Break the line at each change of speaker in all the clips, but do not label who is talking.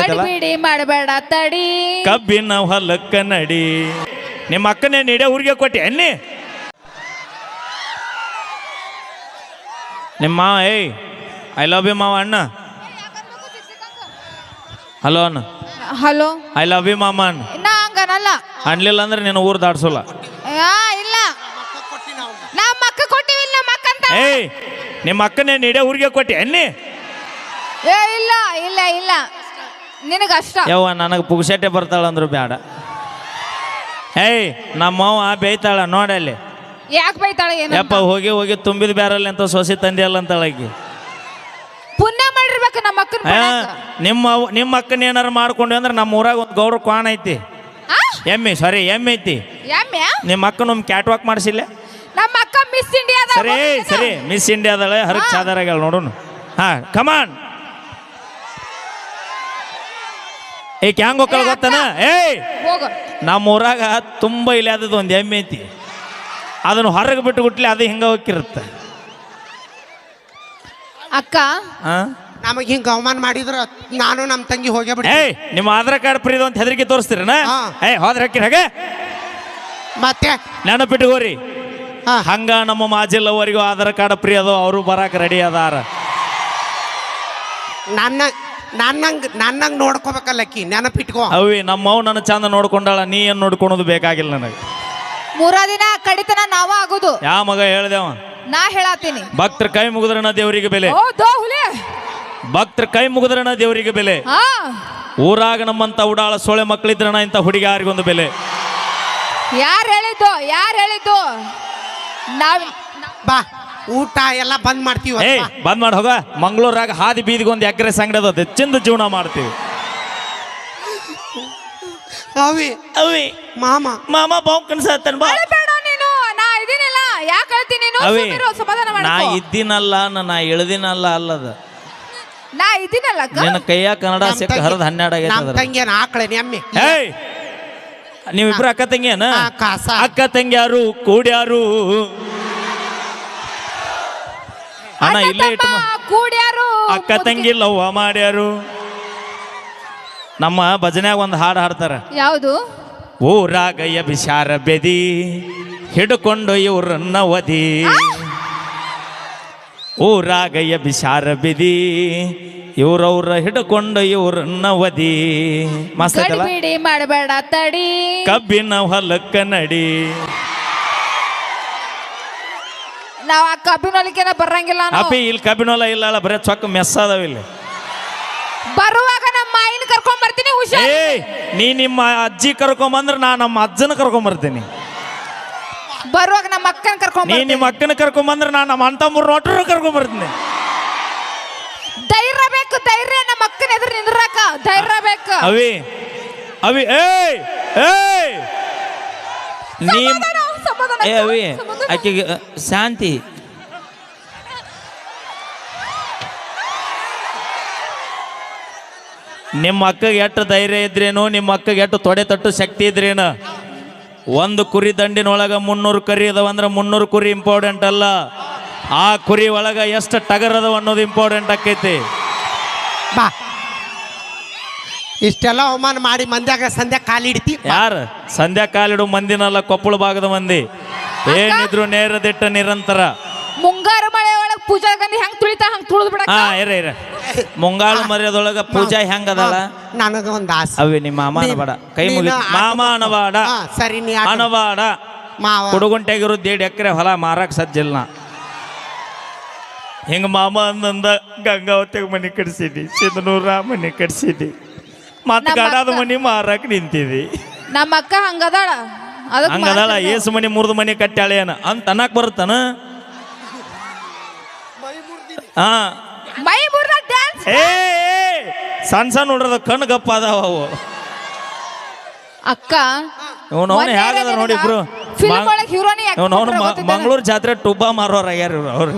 ಮಾಸ್ತೈತಲ್ಲ
ಗಡಿಬಿಡಿ ಮಾಡಬೇಡ ತಡಿ
ಕಬ್ಬಿನ ಹೊಲಕ್ಕ ನಡಿ. ನಿಮ್ಮ ಅಕ್ಕನೇ ನೀಡೇ ಊರಿಗೆ ಕೊಟ್ಟಿ ಅನ್ನಿ ನಿಮ್ಮ ಮಾವ. ಏಯ್ ಐ ಲವ್ ಯು ಮಾವ ಅಣ್ಣ. ಹಲೋ ಅಣ್ಣ.
ಹಲೋ
ಐ ಲವ್ ಯು ಮಾಮ ಅಣ್ಣ.
ನಾ ಹಂಗನಲ್ಲ.
ಅನ್ಲಿಲ್ಲ ಅಂದ್ರೆ ನೀನು ಊರು ದಾಡ್ಸೋಲ್ಲ.
ಇಲ್ಲ ನಮ್ಮ ಅಕ್ಕ ಕೊಟ್ಟಿವಿಲ್ಲ ನಮ್ಮ ಅಕ್ಕ ಅಂತ.
ಏಯ್ ನಿಮ್ಮ ಅಕ್ಕನೇ ನೀಡೇ ಊರಿಗೆ ಕೊಟ್ಟಿ ಅನ್ನಿ.
ಇಲ್ಲ ಇಲ್ಲ ಇಲ್ಲ ನಿನಗಷ್ಟ.
ಯವ್ವ ನನಗೆ ಪುಗ್ಸಟ್ಟೆ ಬರ್ತಾಳಂದ್ರು ಬೇಡ. ಏಯ್ ನಮ್ಮವ್ವ ಬೇಯ್ತಾಳ ನೋಡಲ್ಲಿ.
ಯಾಕೆ ಬೈತಾಳೆ ಏನು?
ಯಪ್ಪ ಹೋಗಿ ಹೋಗಿ ತುಂಬಿದ ಬ್ಯಾರಲ್ಲಿ ಅಂತ ಸೊಸಿ ತಂದೆಯಲ್ಲ ಅಂತಳಾಗಿ.
ಪುಣ್ಯ ಮಾಡಿರ್ಬೇಕು ನಮ್ಮ ಅಕ್ಕನ.
ನಿಮ್ಮ ಅಕ್ಕನ ಏನಾರು ಮಾಡ್ಕೊಂಡ್ವಿ ಅಂದ್ರೆ ನಮ್ಮ ಊರಾಗ ಒಂದು ಗೌಡ್ರ ಕ್ವಾನ್ ಐತಿ. ಎಮ್ಮೆ ಐತಿ. ನಿಮ್ಮ ಅಕ್ಕನ ಒಮ್ಮೆ ಕ್ಯಾಟ್ ವಾಕ್ ಮಾಡಿಸಿಲ್ಲ.
ನಮ್ಮ ಅಕ್ಕ ಮಿಸ್ ಇಂಡಿಯಾ.
ಸರಿ ಸರಿ ಮಿಸ್ ಇಂಡಿಯಾದಳೆ ಹರಕ್ ಚಾದರಾಗ ನೋಡೋಣ. ಹಾ ಕಮಾನ್. ಈಗ ಹ್ಯಾಂಗ ಹೋಗ್ಕಳ ಗೊತ್ತನ? ಏಯ್ ನಮ್ಮ ಊರಾಗ ತುಂಬ ಇಲ್ಲಿ ಆದದ್ದು ಒಂದು ಎಮ್ಮೆ ಐತಿ. ಅದನ್ನು ಹೊರಗೆ ಬಿಟ್ಟು ಗುಟ್ಲಿ ಅದು ಹಿಂಗ ಹೋಗಿರುತ್ತೆ.
ಅಕ್ಕ
ನಮಗೆ ಹಿಂಗ ಅವಮಾನ ಮಾಡಿದ್ರ ನಾನು ನಮ್ಮ ತಂಗಿ ಹೋಗೇ ಬಿಡಿ.
ಏಯ್ ನಿಮ್ಮ ಆಧಾರ್ ಕಾರ್ಡ್ ಫ್ರೀದು ಅಂತ ಹೆದರಿಕೆ ತೋರಿಸ್ತೀರನ? ಏಯ್ ಹೋದ್ರೆ ಹಾಕಿರ ಹಾಗೆ
ಮತ್ತೆ
ನೆನಪಿಟ್ಟುಕೋರಿ. ಹಂಗ ನಮ್ಮ ಮಾಜಿಲ್ಲವರಿಗೂ ಆಧಾರ್ ಕಾರ್ಡ್ ಫ್ರೀ ಅದು, ಅವರು ಬರಾಕ ರೆಡಿ ಅದಾರ.
ನನ್ನಂಗ್ ನೋಡ್ಕೋಬೇಕಲ್ಲಕ್ಕಿ ನೆನಪಿಟ್ಕೋ.
ಅವಿ ನಮ್ಮವ್ ನನ್ನ ಚಂದ ನೋಡ್ಕೊಂಡಾಳ, ನೀ ಏನ್ ನೋಡ್ಕೊಳೋದು ಬೇಕಾಗಿಲ್ಲ ನನಗೆ.
3 ದಿನ ಕಡಿತನ ನಾವ ಆಗುದು.
ಯಾವ ಮಗ ಹೇಳ್ದೇವ?
ನಾ ಹೇಳಾತೀನಿ.
ಭಕ್ತರ ಕೈ ಮುಗಿದ್ರನ ದೇವರಿಗೆ ಬೆಲೆ. ಭಕ್ತರ ಕೈ ಮುಗಿದ್ರನ ದೇವರಿಗೆ ಬೆಲೆ. ಊರಾಗ ನಮ್ಮಂತ ಉಡಾಳ ಸೊಳೆ ಮಕ್ಕಳಿದ್ರನ ಇಂಥ ಹುಡುಗಿಯಾರಿಗೊಂದು ಬೆಲೆ.
ಯಾರು ಹೇಳಿದ್ದು?
ಬಾ ಊಟ ಎಲ್ಲ ಬಂದ್ ಮಾಡ್ತೀವಿ.
ಏಯ್ ಬಂದ್ ಮಾಡಿ ಹೋಗ. ಮಂಗಳೂರಾಗ ಹಾದಿ ಬೀದಿಗೆ ಒಂದು ಎಕರೆ ಸಂಗಡ ಅದ, ಹೆಚ್ಚಿಂದ ಜೀವನ ಮಾಡ್ತೀವಿ.
ಅವಿ ಮಾಮ
ಬಾವು ಕನ್ಸತ್ತನ್ ಬಾ.
ನೀನು ನಾ ಇದೀನಿಲ್ಲ. ಯಾಕೆ ಹೇಳ್ತೀನಿ ನೀನು? ಸಮಾಧಾನ ಮಾಡ್ಕೋ.
ನಾ ಇದ್ದೀನಲ್ಲ, ನಾ ಇಳ್ದಿನಲ್ಲ ಅಲ್ಲದ.
ನಾ ಇದೀನಲ್ಲ.
ನಿನ್ನ ಕೈಯ ಕನ್ನಡ ಸಿಕ್ಕ ಹರಿದ 12 ಆಗೈತೆ.
ತಂಗಿಯನ ಆಕಳೆ ಎಮ್ಮೆ.
ಏಯ್ ನೀವಿಬ್ರು ಅಕ್ಕ ತಂಗಿಯನ? ಅಕ್ಕ ತಂಗಿಯಾರು ಕೂಡ್ಯಾರು ಅಣ್ಣ ಇಲ್ಲೇ ಇಟ್ಟು
ಕೂಡ್ಯಾರು
ಅಕ್ಕ ತಂಗಿ ಲವ್ವ ಮಾಡ್ಯಾರು. ನಮ್ಮ ಭಜನ್ಯಾಗ ಒಂದು ಹಾಡು ಹಾಡ್ತಾರ.
ಯಾವುದು?
ಊರಾಗಯ್ಯ ಬಿಸಾರ ಬೆದಿ ಹಿಡ್ಕೊಂಡು ಇವ್ರನ್ನ ಒದಿ. ಊರಾಗಯ್ಯ ಬಿಸಾರ ಬೆದಿ ಇವ್ರವ್ರ ಹಿಡ್ಕೊಂಡು ಇವ್ರನ್ನ ಒದಿ. ಮಸ್ತ್ ಐತಲ್ಲ?
ಗಡಿಬಿಡಿ ಮಾಡಬೇಡ ತಡಿ
ಕಬ್ಬಿನ ಹೊಲಕ್ಕ ನಡಿ.
ನಾವ್ ಆ ಕಬ್ಬಿನೊಲಿಕೆನ ಬರಂಗಿಲ್ಲ.
ಅಪ್ಪಿ ಇಲ್ಲಿ ಕಬ್ಬಿನೊಲ ಇಲ್ಲ, ಬರೇ ಚೊಕ್ಕ ಮೆಸ್ ಅದಾವ ಇಲ್ಲಿ.
ಬರುವಾಗ ನಮ್ಮ ಮಾಯಿನ ಕರ್ಕೊಂಡ್ ಬರ್ತೀನಿ.
ಏಯ್ ನೀ ನಿಮ್ಮ ಅಜ್ಜಿ ಕರ್ಕೊಂಬಂದ್ರೆ ನಾ ನಮ್ಮ ಅಜ್ಜನ ಕರ್ಕೊಂಬರ್ತೀನಿ.
ಬರುವಾಗ ನಮ್ಮ ಅಕ್ಕನ ಕರ್ಕೊಂಡ್
ನೀ ನಿಮ್ಮ ಅಕ್ಕನ ಕರ್ಕೊಂಬಂದ್ರೆ ನಾ ನಮ್ಮ ಅಂತ 3 ನೋಟ್ರ ಕರ್ಕೊಂಬರ್ತೀನಿ.
ಧೈರ್ಯ ಬೇಕು, ಧೈರ್ಯ. ನಮ್ಮ ಅಕ್ಕನ ಎದುರು ನಿಂದ್ರಾಕ ಧೈರ್ಯ ಬೇಕು.
ಅವಿ ಏಯ್ ಏಯ್ ನೀ ಏ ಅವಿ ಆಕೆಗೆ ಶಾಂತಿ. ನಿಮ್ಮ ಅಕ್ಕಗೆ ಎಷ್ಟು ಧೈರ್ಯ ಇದ್ರೇನು, ನಿಮ್ಮ ಅಕ್ಕಗೆ ಎಷ್ಟು ತೊಡೆ ತಟ್ಟು ಶಕ್ತಿ ಇದ್ರೇನು. ಒಂದು ಕುರಿ ದಂಡಿನೊಳಗೆ 300 ಕರಿ ಅದಾವಂದ್ರೆ 300 ಕುರಿ ಇಂಪಾರ್ಟೆಂಟ್ ಅಲ್ಲ, ಆ ಕುರಿ ಒಳಗೆ ಎಷ್ಟು ಟಗರ್ ಅದಾವ ಅನ್ನೋದು ಇಂಪಾರ್ಟೆಂಟ್ ಆಕೈತಿ.
ಬಾ ಇಷ್ಟೆಲ್ಲ ಅವಮಾನ ಮಾಡಿ ಮಂದ್ಯಾಗ ಸಂಧ್ಯಾ ಕಾಲಿಡ್ತಿ.
ಯಾರು ಸಂಧ್ಯಾ ಕಾಲಿಡು ಮಂದಿನಲ್ಲ, ಕೊಪ್ಪಳ ಭಾಗದ ಮಂದಿ. ಏನಿದ್ರು ನೇರ ದಿಟ್ಟ ನಿರಂತರ.
ಮುಂಗಾರು ಮಳೆ ಒಳಗೆ ಪೂಜಾ ಗಂಧಿ ಹೆಂಗ್ ತುಳಿತಾ ಹಂಗ್ ತುಳಿದ್ ಬಿಡ.
ಇರ ಮುಂಗಾಳು ಮರ್ಯಾದೊಳಗ ಪೂಜಾ ಹೆಂಗ ಅದಲ್ಲ.
ನನಗ ಒಂದು ಆಸೆ.
ಅವಿ ನಿಮ್ಮ ಮಾಮ ಅನಬೇಡ, ಕೈ ಮುಗಿ ಮಾಮ ಅನಬೇಡ.
ಸರಿ ನೀ
ಅನಬೇಡ. ಕುಡುಗುಂಟೆಗಿರೋ 1.5 ಎಕರೆ ಹೊಲ ಮಾರಕ್ ಸಜ್ಜಿಲ್ಲ. ಹಿಂಗ ಮಾಮ ಅಂದಂದ ಗಂಗಾವತಿಗೆ ಮನೆ ಕಟ್ಸಿದಿ, ಸಿದ್ಧನೂರ ಮನೆ ಕಟ್ಸಿದಿ, ಮತ್ತ ಗಡಾದ ಮನೆ ಮಾರಕ್ ನಿಂತಿದಿ.
ನಮ್ಮ ಅಕ್ಕ ಹಂಗದಾಳ.
ಹಂಗದಾಳ. ಏಸು ಮನೆ 3 ಮನೆ ಕಟ್ಟಾಳೆ ಅಂತ ಅನ್ನಕ್ ಬರುತ್ತಾನ? ಸಣ್ಣ ಸಣ್ಣ ನೋಡ್ರದ ಕಣ್ಣು ಗಪ್ಪ ಅದಾವ ಅವು.
ಅಕ್ಕ
ಇವನವನು ಹೇಗದ ನೋಡಿ ಇಬ್ರು. ಇವನವನು ಮಂಗಳೂರು ಜಾತ್ರೆ ಟುಬ್ಬ ಮಾರೋರ ಆಗ್ಯಾರ ಅವ್ರು.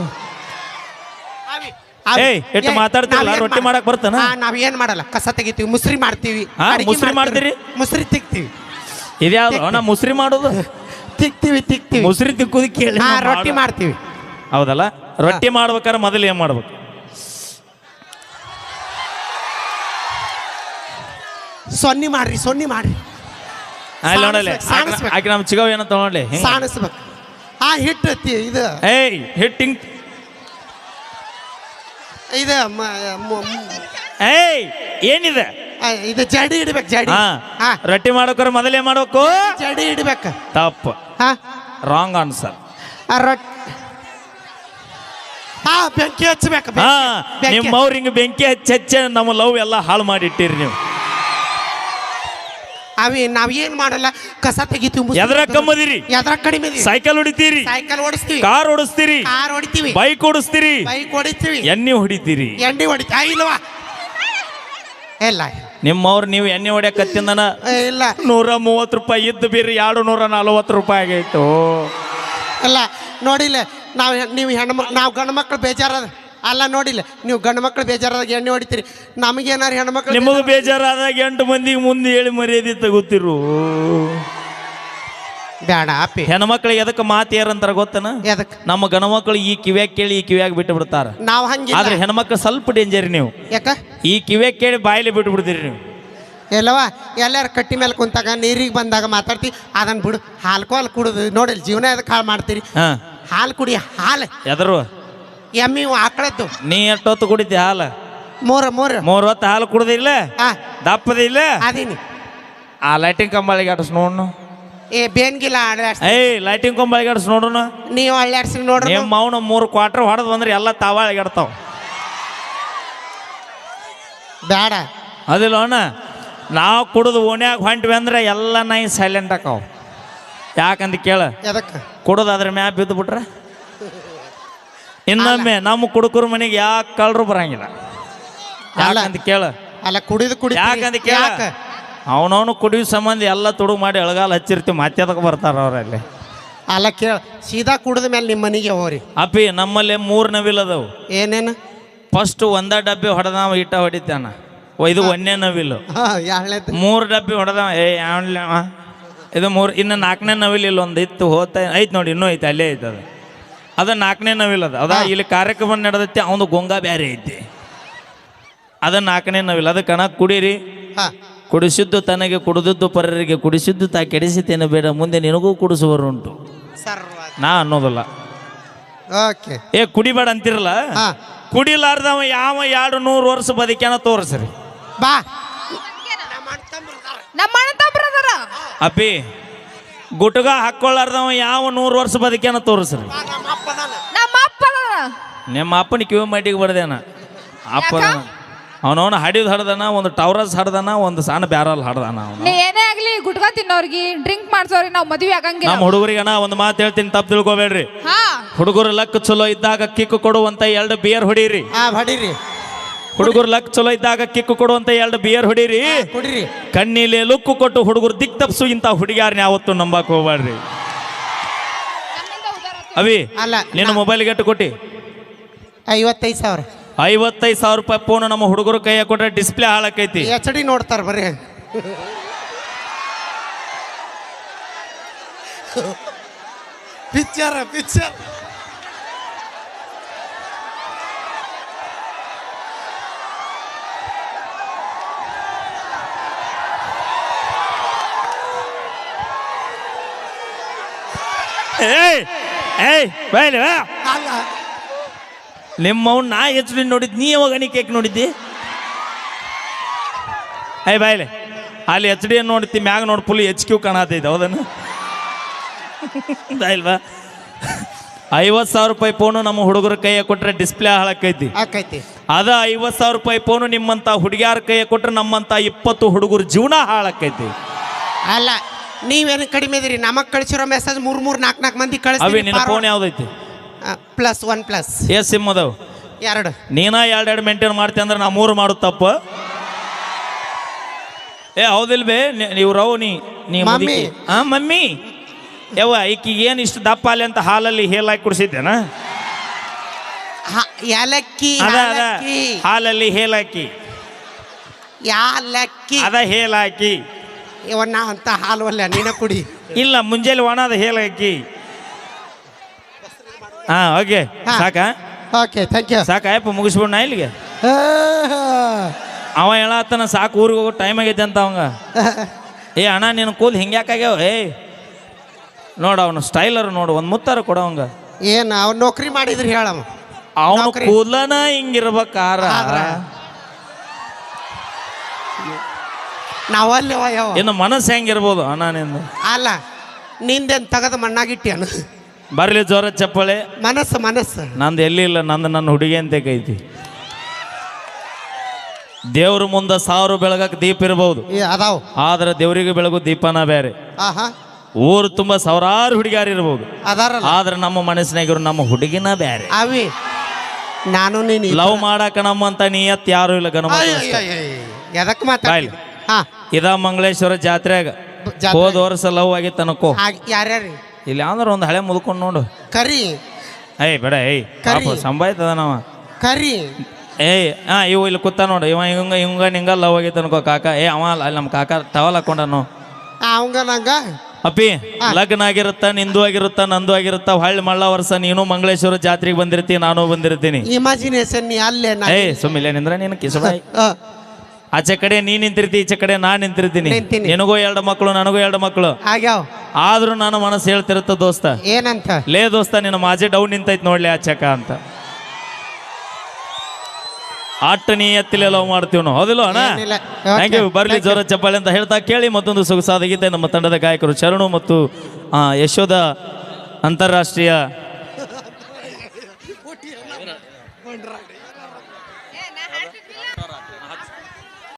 ಏಯ್ ಎಷ್ಟು ಮಾತಾಡ್ತಿರಲ್ಲ. ರೊಟ್ಟಿ ಮಾಡಕ್ ಬರ್ತಾನ?
ನಾವ್ ಏನ್ ಮಾಡಲ್ಲ, ಕಸ ತೆಗಿತೀವಿ, ಮುಸ್ರಿ ಮಾಡ್ತೀವಿ.
ಮುಸ್ರಿ ಮಾಡ್ತೀರಿ?
ಮುಸ್ರಿ ತಿಕ್ತೀವಿ.
ಇದ್ಯಾವ್ದು ನಾ ಮುಸ್ರಿ ಮಾಡೋದು?
ತಿಕ್ತೀವಿ.
ಮುಸ್ರಿ ತಿಕ್ಕುದು ಕೇಳಿ.
ರೊಟ್ಟಿ ಮಾಡ್ತೀವಿ.
ಹೌದಲ್ಲ? ರೊಟ್ಟಿ ಮಾಡ್ಬೇಕಾದ್ರೆ ಮೊದಲು ಏನ್ ಮಾಡ್ಬೇಕು?
ಸೊನ್ನಿ ಮಾಡ್ರಿ
ಅಲ್ಲಿ ನೋಡಲಿ
ಸಾಣಿಸ್ಬೇಕು.
ಆಕೆ ನಮ್ಮ ಚಿಗವ್ ಏನಂತ ನೋಡ್ಲಿ ಹಿಂಗ
ಸಾಣಿಸ್ಬೇಕು. ಆ ಹಿಟ್ಟು ಇದು
ಏಯ್ ಹಿಟ್ಟಿಂಗ್
ಇದು
ಏಯ್ ಏನಿದೆ
ಇದು ಜಡಿ ಇಡ್ಬೇಕು ಜಡಿ.
ಹಾ
ಹಾ
ರೊಟ್ಟಿ ಮಾಡೋಕ್ರ ಮೊದಲೇ ಮಾಡ್ಬೇಕು
ಜಡಿ ಇಡ್ಬೇಕು.
ತಪ್ಪು
ಹಾ
ರಾಂಗ್ ಆನ್ಸರ್
ಹಾ ಬೆಂಕಿ ಹಚ್ಚಬೇಕು.
ಹಾ ನಿಮ್ಮವ್ರ ಹಿಂಗ ಬೆಂಕಿ ಹಚ್ಚ ನಮ್ಮ ಲವ್ ಎಲ್ಲ ಹಾಳು ಮಾಡಿಟ್ಟಿರಿ ನೀವು.
ನಾವ್ ಏನ್ ಮಾಡಲ್ಲ, ಕಸ ತೆಗಿತೀವಿ.
ಎದ್ರ ಕಮ್ಮದಿರಿ,
ಎದ್ರ ಕಡಿಮೆ
ಸೈಕಲ್ ಹೊಡಿತೀರಿ,
ಸೈಕಲ್ ಓಡಿಸ್ತೀವಿ,
ಕಾರ್ ಓಡಿಸ್ತೀರಿ,
ಕಾರ್ ಹೊಡಿತೀವಿ,
ಬೈಕ್ ಓಡಿಸ್ತೀರಿ,
ಬೈಕ್ ಹೊಡಿತೀವಿ,
ಎಣ್ಣೆ ಹೊಡಿತೀರಿ.
ಎಣ್ಣೆ ಹೊಡಿತೀವಿ ಇಲ್ವಾ? ಇಲ್ಲ
ನಿಮ್ಮವ್ರು ನೀವು ಎಣ್ಣೆ ಹೊಡ್ಯಾಕತ್ತಿಂದನ
ಇಲ್ಲ
130 ರೂಪಾಯಿ ಇದ್ದು ಬೀರಿ 240 ರೂಪಾಯಿ ಆಗೈತು.
ಇಲ್ಲ ನೋಡಿಲ್ಲ, ನೀವು ನಾವು ಗಂಡು ಮಕ್ಳು ಬೇಜಾರದ ಅಲ್ಲ. ನೋಡಿಲ್ಲ, ನೀವು ಗಂಡು ಮಕ್ಳು ಬೇಜಾರಾದಾಗ ಎಣ್ಣೆ ಹೊಡಿತೀರಿ, ನಮಗೇನಾರು ಹೆಣ್ಮಕ್ಳು
ನಿಮಗೂ ಬೇಜಾರಾದಾಗ 8 ಮಂದಿಗೆ ಮುಂದೆ ಹೇಳಿ ಮರ್ಯಾದೆ ತಗೋತಿರು.
ಬೇಡ ಅಪ್ಪಿ.
ಹೆಣ್ಮಕ್ಳಿಗೆ ಎದಕ್ಕೆ ಮಾತು ಯಾರಂತಾರ ಗೊತ್ತನ?
ಎದಕ್ಕೆ?
ನಮ್ಮ ಗಣಮಕ್ಳು ಈ ಕಿವ್ಯಾಗ ಕೇಳಿ ಈ ಕಿವ್ಯಾಗ ಬಿಟ್ಟು ಬಿಡ್ತಾರ.
ನಾವು ಹಂಗೆ
ಆದ್ರೆ ಹೆಣ್ಮಕ್ಳು ಸ್ವಲ್ಪ ಡೇಂಜರ್. ನೀವು
ಯಾಕ
ಈ ಕಿವ್ಯಾಗ ಕೇಳಿ ಬಾಯಿಲಿ ಬಿಟ್ಟು ಬಿಡ್ತೀರಿ ನೀವು.
ಎಲ್ಲವಾ ಎಲ್ಲಾರು ಕಟ್ಟಿ ಮೇಲೆ ಕುಂತಾಗ ನೀರಿಗೆ ಬಂದಾಗ ಮಾತಾಡ್ತಿ, ಅದನ್ನ ಬಿಡು. ಹಾಲು ಕುಡುದು ನೋಡಿಲ್ಲ, ಜೀವನ ಎದಕ್ಕೆ ಹಾಳು ಮಾಡ್ತೀರಿ?
ಹಾ
ಹಾಲು ಕುಡಿ. ಹಾಲು
ಎದರು
ಎಮ್ಮಿ ಆಕಳದ್ದು.
ನೀ ಎಷ್ಟೊತ್ತು ಕುಡಿತಿ ಹಾಲು?
3
ಹೊತ್ತು ಹಾಲು ಕುಡ್ದಿಲ್ಲ,
ಹಾ
ದಪ್ಪದ ಇಲ್ಲ.
ಅದೀನಿ.
ಆ ಲೈಟಿಂಗ್ ಕಂಬಳಿಗೆ ಆಡಿಸ್ ನೋಡ್ನು.
ಬೇನ್ಗಿಲ್ಲ ಆಡಾಡ್ಸಿ.
ಏಯ್ ಲೈಟಿಂಗ್ ಕಂಬಳಿಗೆ ಆಡಿಸ್ ನೋಡ್ನು.
ನೀವು ಅಳ್ಳಾಡ್ಸಿ ನೋಡ್ರಿ.
ನಿಮ್ಮ ಅವನು 3 ಕ್ವಾರ್ಟರ್ ಹೊಡೆದ್ ಬಂದ್ರೆ ಎಲ್ಲ ತಾವಾಳಿಗಾಡ್ತಾವ.
ಬೇಡ
ಅದಿಲ್ಲ ಅಣ್ಣ, ನಾವು ಕುಡಿದು ಓಣ್ಯಾಗ ಹೊಂಟ್ವಿ ಅಂದ್ರೆ ಎಲ್ಲ ನಾಯಿ ಸೈಲೆಂಟ್ ಆಕಾವ್. ಯಾಕಂತ ಕೇಳ,
ಎದಕ್ಕೆ?
ಕುಡಿದು ಅದ್ರ ಮ್ಯಾಪ್ ಬಿದ್ದು ಬಿಟ್ರೆ ಇನ್ನೊಮ್ಮೆ ನಮ್ಮ ಕುಡುಕರ ಮನೆಗೆ ಯಾಕೆ ಕಳ್ರು ಬರಂಗಿಲ್ಲ. ಯಾಕಂತ ಕೇಳ,
ಅಲ್ಲ ಕುಡಿದು
ಯಾಕಂತ ಕೇಳ, ಅವನವನು ಕುಡಿಯೋ ಸಂಬಂಧ ಎಲ್ಲ ತುಡುಗು ಮಾಡಿ ಎಳಗಾಲ ಹಚ್ಚಿರ್ತೀವಿ, ಮತ್ತೆ ಅದಕ್ಕೆ ಬರ್ತಾರ ಅವರಲ್ಲಿ.
ಅಲ್ಲ ಕೇಳ, ಸೀದಾ ಕುಡಿದ ಮೇಲೆ ನಿಮ್ಮ ಮನೆಗೆ ಹೋಗ್ರಿ.
ಅಪ್ಪಿ ನಮ್ಮಲ್ಲಿ 3 ನವಿಲ್ ಅದಾವು.
ಏನೇನು?
ಫಸ್ಟ್ 1 ಡಬ್ಬಿ ಹೊಡೆದವ ಇಟ್ಟ ಹೊಡಿತಾನ, ಇದು 1ನೇ ನವಿಲು. 3 ಡಬ್ಬಿ ಹೊಡೆದವ ಇದು 3. ಇನ್ನು 4ನೇ ನವಿಲ್ ಇಲ್ಲ, ಒಂದು ಇತ್ತು ಹೋಗ್ತಾ ಐತೆ ನೋಡಿ, ಇನ್ನೂ ಐತೆ ಅಲ್ಲೇ ಐತೆ. ಅದು 4ನೇ ನವಿಲ್ ಅದ ಇಲ್ಲಿ ಕಾರ್ಯಕ್ರಮ ನಡೆದೈತಿ, ಅವನು ಗೊಂಗ ಬೇರೆ ಐತಿ. ಅದು 4ನೇ ನವಿಲ್. ಅದು ಕಣ ಕುಡೀರಿ. ಕುಡಿಸಿದ್ದು ತನಗೆ ಕುಡಿದದ್ದು ಪರರಿಗೆ, ಕುಡಿಸಿದ್ದು ತಾ ಕೆಡಿಸಿತೇನೆ ಬೇಡ, ಮುಂದೆ ನಿನಗೂ ಕುಡಿಸುವರುಂಟು ನಾ ಅನ್ನೋದಿಲ್ಲ. ಕುಡಿಬೇಡ ಅಂತಿರಲ್ಲ, ಕುಡಿಲಾರ್ದವ ಯಾವ 200 ವರ್ಷ ಬದುಕ್ಯಾನ ತೋರಿಸ್ರಿ.
ಬಾ
ಅಪ್ಪಿ ಗುಟ್ಗ ಹಾಕೊಳ್ಳಾರ್ದವ ಯಾವ 100 ವರ್ಷ ಬದುಕ್ಯಾನ ತೋರಿಸ್ರಿ. ನಿಮ್ಮ ಅಪ್ಪನ ಕಿವಿ ಮಟ್ಟಿಗೆ ಬಡ್ದೇನ ಅಪ್ಪದ ಅವನವನು ಹಡಿದ್ ಹಡ್ದಾನ, ಒಂದು ಟವರಸ್ ಹಡ್ದಾನ, ಒಂದು ಸಣ್ಣ ಬ್ಯಾರಲ್ ಹಡ್ದಾನ.
ಏನೇ ಆಗ್ಲಿ ಗುಟ್ಕ ತಿನ್ನೋರ್ಗಿ ಡ್ರಿಂಕ್ ಮಾಡ್ಸೋರಿ ನಾವು ಮದುವೆ ಆಗಂಗಿಲ್ಲ.
ನಮ್ಮ ಹುಡುಗರಿಗನ ಒಂದು ಮಾತು ಹೇಳ್ತೀನಿ, ತಪ್ಪು ತಿಳ್ಕೊಬೇಡ್ರಿ. ಹುಡುಗರು ಲಕ್ ಚಲೋ ಇದ್ದಾಗ ಕಿಕ್ಕು ಕೊಡುವಂತ 2 ಬಿಯರ್ ಹೊಡೀರಿ.
ಹೊಡೀರಿ.
ಹುಡುಗರು ಲಕ್ ಚಲೋ ಇದ್ದಾಗ ಕಿಕ್ಕು ಕೊಡುವಂತ 2 ಬಿಯರ್ ಹೊಡೀರಿ. ಕಣ್ಣಿಲೆ ಲುಕ್ಕು ಕೊಟ್ಟು ಹುಡುಗರು ದಿಕ್ ತಪ್ಸು ಇಂತ ಹುಡುಗಿಯಾರನ್ನ ಯಾವತ್ತು ನಂಬಕ್ ಹೋಗ್ಬೇಡ್ರಿ. ಅವಿ ನಿನ್ನ ಮೊಬೈಲ್ಗೆ ಎಷ್ಟು ಕೊಟ್ಟಿ?
55,000.
55,000 ರೂಪಾಯಿ ಫೋನ್ ನಮ್ಮ ಹುಡುಗರು ಕೈಯ ಕೊಟ್ರೆ ಡಿಸ್ಪ್ಲೇ ಹಾಳಾಕೈತಿ.
HD ನೋಡ್ತಾರ ಬರ್ರಿ. ಪಿಕ್ಚರ್
ನಿಮ್ಮವ್ ನಾ HD ನೋಡಿದ್, ನೀ ಯಾವಾಗ ನೀ ಕೇಕ್ ನೋಡಿದ್ದಿ? ಬಾಯ್ಲೆ ಅಲ್ಲಿ HD ನೋಡ್ತಿ, ಮ್ಯಾಗ ನೋಡಿ ಫುಲ್ HQ ಕಾಣತೈತೆ, ಹೌದನ್ನು ಇಲ್ವಾ? 50,000 ರೂಪಾಯಿ ಫೋನು ನಮ್ಮ ಹುಡುಗರ ಕೈಯ ಕೊಟ್ರೆ ಡಿಸ್ಪ್ಲೇ ಹಾಳಾಕೈತಿ. ಅದ 50,000 ರೂಪಾಯಿ ಫೋನು ನಿಮ್ಮಂತ ಹುಡುಗಿಯಾರ ಕೈಯ ಕೊಟ್ರೆ ನಮ್ಮಂತ 20 ಹುಡುಗರ ಜೀವನ ಹಾಳಾಕೈತಿ.
ಅಲ್ಲ ನೀವೇನು ಕಡಿಮೆ ಇದೀರಿ, ನಮಗ್ ಕಳಿಸಿರೋ ಮೆಸೇಜ್ 3-4 ಮಂದಿ
ಅವಿ ನಿನ್ನ ಫೋನ್ ಯಾವ್ದೈತಿ?
+1+.
ಎಸ್ ಸಿಮ್ ಅದಾವ?
2.
ನೀನ 2 ಮೇಂಟೈನ್ ಮಾಡ್ತಿ ಅಂದ್ರೆ ನಾ 3 ಮಾಡೋದು ತಪ್ಪು. ಹೌದಿಲ್ವೇ? ನೀವು ರವ್ ನೀ ಮಮ್ಮಿ ಯವ್ವ ಈಕಿಗೆ ಏನು ಇಷ್ಟು ದಪ್ಪ ಅಲ್ಲಿ ಅಂತ ಹಾಲಲ್ಲಿ ಹೇಲಾಕಿ ಕುಡಿಸಿದ್ದೇನ? ಹಾಲಲ್ಲಿ ಹೇಲಾಕಿ ಅದ ಹೇಲಾಕಿ
ಇವನ್ನ ಅಂತ ಹಾಲು ಅಲ್ಲ, ನೀನ ಕುಡಿ.
ಇಲ್ಲ ಮುಂಜಾನೆ ಒಣದ ಹೇಲಾಕಿ. ಓಕೆ ಸಾಕಾ?
Okay thank you.
ಸಾಕಾ ಯಪ್ಪ, ಮುಗಿಸ್ಬಿಡ್ ನಾ ಇಲ್ಲಿಗೆ. ಅವ ಹೇಳತ್ತಾನ ಸಾಕು ಊರಿಗೆ ಹೋಗೋ ಟೈಮ್ ಆಗೈತೆ ಅಂತ ಅವಂಗ. ಏ ಅಣ್ಣ ನಿನ್ನ ಕೂಲ್ ಹಿಂಗ್ಯಾಕಾಗ್ಯಾವ ಏಯ್ ನೋಡು ಅವನು ಸ್ಟೈಲರ್ ನೋಡು ಒಂದು ಮುತ್ತಾರ ಕೊಡ ಅವಂಗ.
ಏನು ಅವ್ನು ನೌಕರಿ ಮಾಡಿದ್ರಿ ಹೇಳಮ್ಮ.
ಅವನು
ನೌಕರಿ.
ಕೂದಲನ ಹಿಂಗಿರ್ಬೇಕಾರ
ನಾವಲ್ಲವ ಯಾವ
ಇನ್ನು ಮನಸ್ಸು ಹೆಂಗಿರ್ಬೋದು ಅಣ್ಣ ನಿಂದು.
ಅಲ್ಲ ನಿಂದೇನು ತೆಗೆದು ಮಣ್ಣಾಗಿಟ್ಟಿಯನು.
ಬರ್ಲಿ ಜೋರ ಚಪ್ಪಳೆ.
ಮನಸ್ಸು
ನಂದು ಎಲ್ಲಿ ಇಲ್ಲ, ನಂದು ನನ್ನ ಹುಡುಗಿ ಅಂತ ಕೈತಿ. ದೇವ್ರ ಮುಂದೆ 1000 ಬೆಳಗಕ್ಕೆ ದೀಪ ಇರ್ಬೋದು,
ಅದಾವ.
ಆದ್ರೆ ದೇವ್ರಿಗೆ ಬೆಳಗು ದೀಪನ ಬೇರೆ.
ಆಹಾ
ಊರು ತುಂಬ 1000 ಹುಡುಗಿಯಾರು ಇರ್ಬೋದು,
ಅದಾರಲ್ಲ.
ಆದ್ರೆ ನಮ್ಮ ಮನಸ್ಸಿನಾಗಿರೋ ನಮ್ಮ ಹುಡುಗಿನ ಬೇರೆ.
ಅವಿ ನಾನು ನೀನು
ಲವ್ ಮಾಡಾಕ ನಮ್ಮಂತ ನಿಯತ್ ಯಾರು ಇಲ್ಲ ಗಣ.
ಎದಕ್ಕೆ ಮಾತಾಡಿ. ಹಾ
ಇದ ಮಂಗಳೇಶ್ವರ ಜಾತ್ರೆಗ ಹೋದ ವರ್ಷ ಲವ್ ಆಗಿತ್ತು ಅನ್ಕೋ.
ಯಾರ್ಯಾರು
ಇಲ್ಲಿ ಯಾವ್ದಾರ ಒಂದು ಹಳೆ ಮುದ್ಕೊಂಡು ನೋಡು.
ಕರಿ
ಏಯ್ ಬೇಡ ಏಯ್ ಸಂಭಾಯ್ತದ ನಾವ
ಕರಿ.
ಏಯ್ ಇವು ಇಲ್ಲಿ ಕೂತ ನೋಡು, ಇವ ಹಿಂಗ ನಿಂಗ ಲವ್ ಆಗಿತ್ತು ಅನ್ಕೋ ಕಾಕ. ಅವ ಅಲ್ಲಿ ನಮ್ಮ ಕಾಕ ಟವಲ್ ಹಾಕೊಂಡನು.
ಅವಂಗ ನಂಗ
ಅಪ್ಪಿ ಲಗ್ನ ಆಗಿರುತ್ತ, ನಿಂದು ಆಗಿರುತ್ತ, ನಂದು ಆಗಿರುತ್ತ. ಹೊಳ್ಳಿ ಮಳ್ಳ ವರ್ಷ ನೀನು ಮಂಗಳೇಶ್ವರ ಜಾತ್ರೆಗೆ ಬಂದಿರ್ತೀನಿ, ನಾನು ಬಂದಿರ್ತೀನಿ.
ಇಮ್ಯಾಜಿನೇಷನ್ ನೀ ಅಲ್ಲೇ
ಏಯ್ ಸುಮ್ಮಿಲ್ಲ ನಿಂದ್ರ ನೀನು ಕಿಸಬಾಯಿ. ಆಚೆ ಕಡೆ ನೀ ನಿಂತಿರ್ತಿ, ಈಚೆ ಕಡೆ ನಾ ನಿಂತಿರ್ತೀನಿ. ನಿನಗೂ 2 ಮಕ್ಕಳು, ನನಗೂ 2 ಮಕ್ಕಳು
ಆಗ್ಯಾವ.
ಆದ್ರೂ ನಾನು ಮನಸ್ಸು ಹೇಳ್ತಿರುತ್ತ ದೋಸ್ತ,
ಏನಂತ
ಲೇ ದೋಸ್ತ ನಿನ್ನ ಮಾಜೆ ಡೌನ್ ನಿಂತೈತಿ ನೋಡ್ಲಿ ಆಚಕ ಅಂತ. ಆಟ ನೀ ಎತ್ತಿಲೆ ಲವ್ ಮಾಡ್ತೀವಿ ನಾವು, ಹೌದಿಲ್ಲ ಅಣ್ಣ? Thank you. ಬರ್ಲಿ ಜೋರ ಚಪ್ಪಾಳೆ ಅಂತ ಹೇಳ್ತಾ ಕೇಳಿ ಮತ್ತೊಂದು ಸೊಗಸಾದ ಗೀತೆ ನಮ್ಮ ತಂಡದ ಗಾಯಕರು ಶರಣು ಮತ್ತು ಯಶೋಧ ಅಂತಾರಾಷ್ಟ್ರೀಯ